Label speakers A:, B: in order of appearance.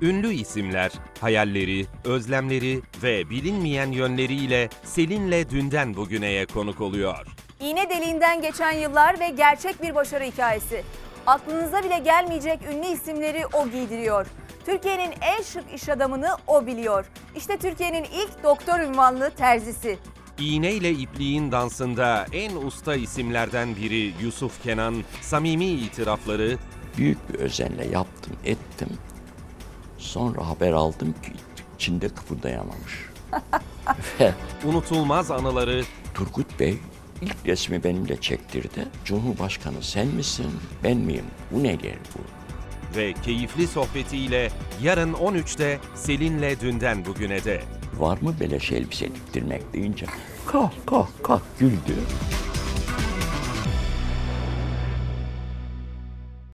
A: Ünlü isimler, hayalleri, özlemleri ve bilinmeyen yönleriyle Selin'le dünden bugüneye konuk oluyor.
B: İğne deliğinden geçen yıllar ve gerçek bir başarı hikayesi. Aklınıza bile gelmeyecek ünlü isimleri o giydiriyor. Türkiye'nin en şık iş adamını o biliyor. İşte Türkiye'nin ilk doktor unvanlı terzisi.
A: İğneyle ipliğin dansında en usta isimlerden biri Yusuf Kenan, samimi itirafları,
C: büyük bir özenle yaptım, ettim. Sonra haber aldım ki içinde kıpırdayamamış. Ve
A: unutulmaz anıları,
C: Turgut Bey ilk resmi benimle çektirdi. Cumhurbaşkanı sen misin, ben miyim? Bu nedir bu?
A: ve keyifli sohbetiyle yarın 13'te Selin'le dünden bugüne de.
C: Var mı beleş elbise diktirmek deyince kah kah kah güldü.